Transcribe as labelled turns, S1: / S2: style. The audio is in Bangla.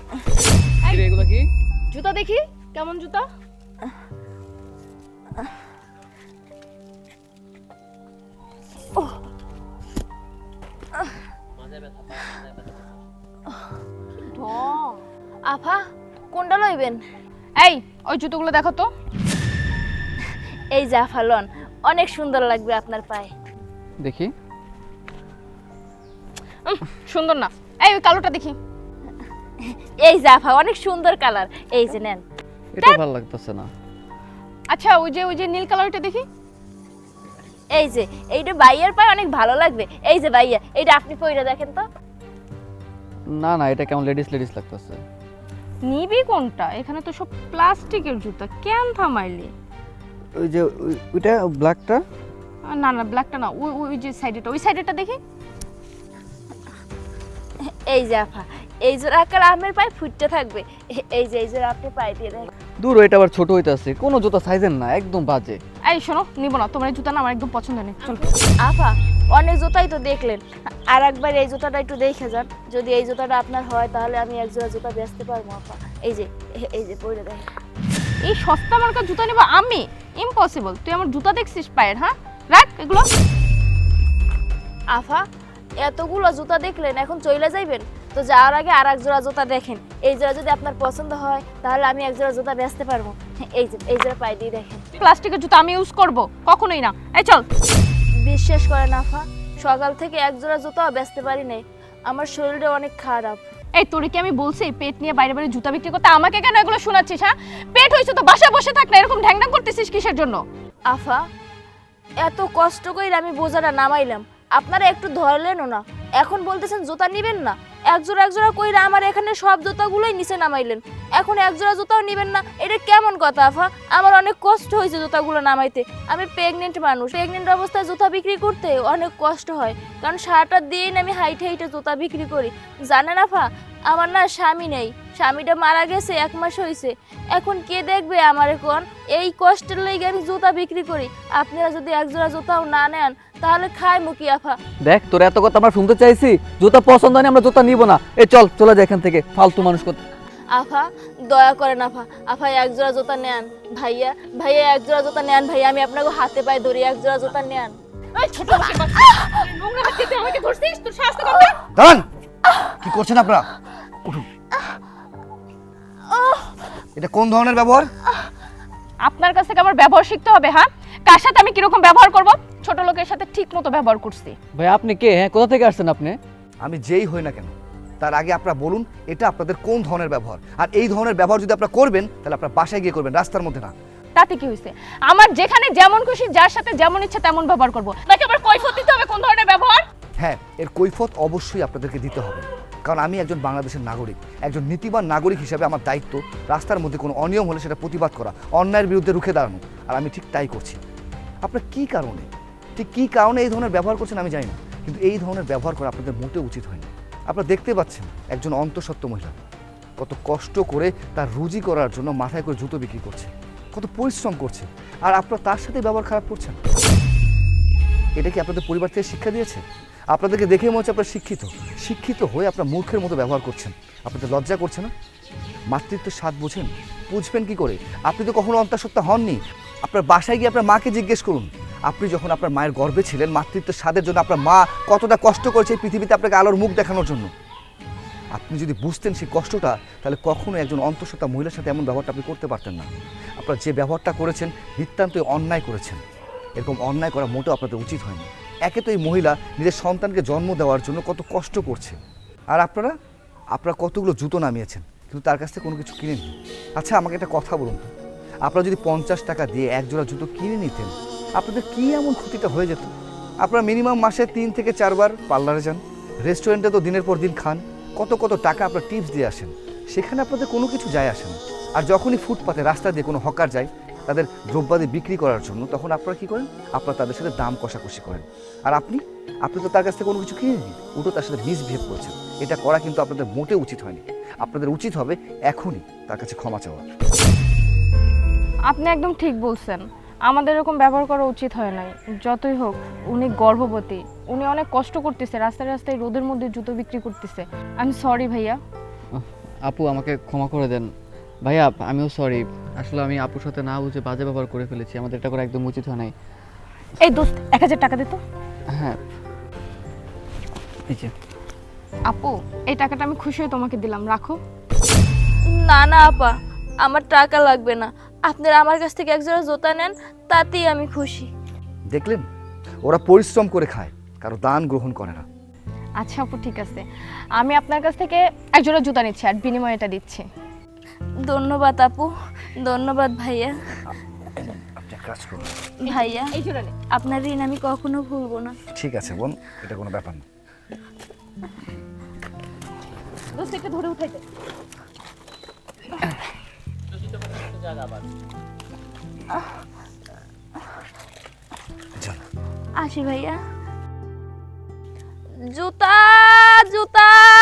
S1: এগুলো কি?
S2: জুতা দেখি কেমন জুতা।
S3: আফা কোনটা লইবেন?
S2: এই ওই জুতোগুলো দেখো তো।
S3: এই যে আফা লন, অনেক সুন্দর লাগবে আপনার পায়ে।
S1: দেখি।
S2: সুন্দর না। এই ওই কালোটা দেখি।
S3: এই যে আফা অনেক সুন্দর কালার, এই যে নেন।
S1: এটা ভালো লাগতেছে না।
S2: আচ্ছা ওই যে নীল কালারটা দেখি।
S3: এই যে এইটা ভাইয়ার পায়ে অনেক ভালো লাগবে। এই যে ভাইয়া, এইটা আপনি পরে দেখেন তো।
S1: না না, এটা কেমন লেডিস লাগতেছে।
S2: নিবি কোনটা? এখানে তো সব প্লাস্টিকের জুতা, কেন থামাইলি?
S1: ওই যে ওইটা ব্ল্যাকটা।
S2: না না ব্ল্যাকটা না, ওই যে সাইডেটা, ওই সাইডেটা দেখি।
S3: এই যে আফা, এই জোড়া আকার আমের পায়ে ফুটতে থাকবে। এই যে এই জোড়া আপনি পায়ে দিয়ে দেখেন।
S1: দূর, এটা আবার ছোট হইতাছে, কোনো জুতা সাইজের না, একদম বাজে।
S2: এই শোনো, নিব না, তোমার এই জুতা না আমার একদম পছন্দ নেই। চলো।
S3: আফা অনেক জুতাই তো দেখলেন, আর একবার এই জুতাটা একটু দেখে যান। যদি এই জুতাটা আপনার হয় তাহলে আমি এক জোড়া জুতা বেচতে পারবো আফা। এই যে পরে দেখেন।
S2: এই সস্তা মার্কা জুতা নিব আমি? ইম্পসিবল। তুই আমার জুতা দেখছিস পায়ের? হ্যাঁ রাখ এগুলো।
S3: আফা এতগুলো জুতা দেখলেন, এখন চলে যাইবেন তো? যাওয়ার আগে আর এক জোড়া জুতা দেখেন। এই জোড়া যদি আপনার পছন্দ হয় তাহলে আমি এক জোড়া জুতা বেচতে পারবো। এই জোড়া পায়ে দিয়ে দেখেন।
S2: প্লাস্টিকের জুতা আমি ইউজ করব কখনোই না। এই চল।
S3: বিশ্বাস করেন আফা, সকাল থেকে এক জোড়া জুতাও বেচতে পারি নাই। আমার শরীরটা অনেক খারাপ।
S2: এই তোরে কি আমি বলছি পেট নিয়ে বাইরে বাইরে জুতা বিক্রি করতে? আমাকে কেন এগুলো শোনাচ্ছিস? হ্যাঁ পেট হইছে তো বাসায় বসে থাক না, এরকম ঢ্যাংঢ্যাং করতেছিস কিসের জন্য?
S3: আফা এত কষ্ট করে আমি বোঝাটা নামাইলাম, আপনারা একটু ধরলেনও না। এখন বলতেছেন জুতা নিবেন না। এক জোড়া কইরা আমার এখানে সব জুতাগুলোই নিচে নামাইলেন, এখন এক জোড়া জুতাও নিবেন না। এটা কেমন কথা আফা? আমার অনেক কষ্ট হয়েছে জুতাগুলো নামাইতে। আমি প্রেগনেন্ট মানুষ, প্রেগনেন্ট অবস্থায় জুতা বিক্রি করতে অনেক কষ্ট হয়, কারণ সারাটা দিন আমি হাইটে জুতা বিক্রি করি। জানেন আফা, আমার না স্বামী নেই, স্বামীটা মারা গেছে 1 মাস হয়েছে। এখন কে দেখবে আমার? এখন এই কষ্টের লেগে আমি জুতা বিক্রি করি। আপনারা যদি এক জোড়া জুতাও না নেন তাহলে খায় মুকি আফা।
S1: দেখ, তোর এত কথা আমরা শুনতে চাইছি। জুতা পছন্দ হয়নি, আমরা জুতা নিব না। এই চল, চলে যা এখান থেকে, ফালতু মানুষ কত।
S3: আফা দয়া করেন আফা, আফা এক জোড়া জুতা নেন। ভাইয়া এক জোড়া জুতা নেন। ভাইয়া আমি আপনাকে হাতে পায়ে ধরি, এক জোড়া জুতা নেন।
S2: এই ছোট লোকের বাচ্চা, নোংরা ব্যক্তিতে আমাকে ধরছিস? তোর সাহস তো কম না?
S4: দাঁড়ান, কি করছেন আপনারা? উঠুন। এটা কোন ধরনের ব্যবহার?
S2: আপনার কাছ থেকে আমার ব্যবহার শিখতে হবে। হ্যাঁ কার সাথে আমি কিরকম ব্যবহার করব? ছোট লোকের সাথে ঠিক মতো ব্যবহার করছি।
S1: ভাই আপনি কে? হ্যাঁ কোথা থেকে আসছেন আপনি?
S4: আমি যেই হই না কেন, তার আগে আপনারা বলুন এটা আপনাদের কোন ধরনের ব্যবহার। আর এই ধরনের ব্যবহার যদি আপনারা করবেন তাহলে আপনারা বাসায় গিয়ে করবেন, রাস্তার মধ্যে না।
S2: তাতে কি হয়েছে? আমার যেখানে যেমন খুশি যার সাথে যেমন ইচ্ছা তেমন ব্যবহার করব, নাকি আবার কৈফিয়ত দিতে হবে কোন ধরনের ব্যবহার?
S4: হ্যাঁ, এর কৈফিয়ত অবশ্যই আপনাদেরকে দিতে হবে, কারণ আমি একজন বাংলাদেশের নাগরিক। একজন নীতিবান নাগরিক হিসেবে আমার দায়িত্ব রাস্তার মধ্যে কোনো অনিয়ম হলে সেটা প্রতিবাদ করা, অন্যায়ের বিরুদ্ধে রুখে দাঁড়ানো। আর আমি ঠিক তাই করছি। আপনার কী কারণে, ঠিক কী কারণে এই ধরনের ব্যবহার করছেন আমি জানি না, কিন্তু এই ধরনের ব্যবহার করা আপনাদের মোটেও উচিত হয়নি। আপনারা দেখতে পাচ্ছেন একজন অন্তঃসত্ত্বা মহিলা কত কষ্ট করে তার রুজি করার জন্য মাথায় করে জুতো বিক্রি করছে, কত পরিশ্রম করছে, আর আপনারা তার সাথে ব্যবহার খারাপ করছেন। এটা কি আপনাদের পরিবার থেকে শিক্ষা দিয়েছে? আপনাদেরকে দেখে মনে হচ্ছে আপনারা শিক্ষিত হয়ে আপনারা মূর্খের মতো ব্যবহার করছেন। আপনাদের লজ্জা করছে না? মাতৃত্বের স্বাদ বুঝেন? বুঝবেন কি করে? আপনি তো কখনো অন্তঃসত্ত্বা হননি। আপনার বাসায় গিয়ে আপনার মাকে জিজ্ঞেস করুন, আপনি যখন আপনার মায়ের গর্ভে ছিলেন মাতৃত্বের স্বাদের জন্য আপনার মা কতটা কষ্ট করেছে এই পৃথিবীতে আপনাকে আলোর মুখ দেখানোর জন্য। আপনি যদি বুঝতেন সেই কষ্টটা, তাহলে কখনো একজন অন্তঃসত্ত্বা মহিলার সাথে এমন ব্যবহারটা আপনি করতে পারতেন না। আপনারা যে ব্যবহারটা করেছেন নিতান্তই অন্যায় করেছেন। এরকম অন্যায় করা মোটেও আপনাদের উচিত হয়নি। একে তো এই মহিলা নিজের সন্তানকে জন্ম দেওয়ার জন্য কত কষ্ট করছে, আর আপনারা কতগুলো জুতো নামিয়েছেন, কিন্তু তার কাছ থেকে কোনো কিছু কিনেননি। আচ্ছা আমাকে একটা কথা বলুন তো, আপনারা যদি 50 টাকা দিয়ে এক জোড়া জুতো কিনে নিতেন আপনাদের কী এমন ক্ষতিটা হয়ে যেত? আপনারা মিনিমাম মাসে 3 থেকে 4 বার পার্লারে যান, রেস্টুরেন্টে তো দিনের পর দিন খান, কত টাকা আপনারা টিপস দিয়ে আসেন, সেখানে আপনাদের কোনো কিছু যায় আসে না। আর যখনই ফুটপাতে রাস্তা দিয়ে কোনো হকার যায় তাদের দ্রব্যাদি বিক্রি করার জন্য, তখন আপনারা কী করেন? আপনারা তাদের সাথে দাম কষাকষি করেন। আর আপনি তো তার কাছ থেকে কোনো কিছু কিনে নিন, উল্টো তার সাথে মিসবিহেভ করছেন। এটা করা কিন্তু আপনাদের মোটেও উচিত হয়নি। আপনাদের উচিত হবে এখনই তার কাছে ক্ষমা চাওয়া।
S2: আপনি একদম ঠিক বলছেন, আমাদের এরকম ব্যবহার করা উচিত হয় নাই। যতই হোক উনি গর্ভবতী, উনি অনেক কষ্ট করতেছে, রাস্তায় রোদের মধ্যে জুতো বিক্রি করতেছে। আমি সরি ভাইয়া।
S1: আপু আমাকে ক্ষমা করে দেন। ভাইয়া আমিও সরি, আসলে আমি আপুর সাথে না বুঝে বাজে ব্যবহার করে ফেলেছি, আমাদের এটা করা একদম উচিত হয় নাই।
S2: এই দোস্ত 1000 টাকা দে তো।
S1: হ্যাঁ এই যে।
S2: আপু এই টাকাটা আমি খুশি হয়ে তোমাকে দিলাম, রাখো।
S3: না না আপা, আমার টাকা লাগবে না। আপনারা আমার কাছ থেকে এক জোড়া জুতা নেন, তাতেই আমি খুশি।
S4: দেখলেন, ওরা পরিশ্রম করে খায়, কারো দান গ্রহণ করে না।
S2: আচ্ছা আপু ঠিক আছে, আমি আপনার কাছ থেকে এক জোড়া জুতা নিচ্ছি আর বিনিময়ে এটা দিচ্ছি।
S3: ধন্যবাদ আপু, ধন্যবাদ ভাইয়া।
S4: আপনি এক কাজ করুন।
S3: ভাইয়া,
S2: এই জোড়া নে।
S3: আপনার ঋণ আমি কখনো ভুলবো না।
S4: ঠিক আছে বোন, এটা কোনো ব্যাপার না।
S2: দোস্ত একটু ধরে উঠাই দে।
S4: চলো।
S3: আসি ভাইয়া। জুতা জুতা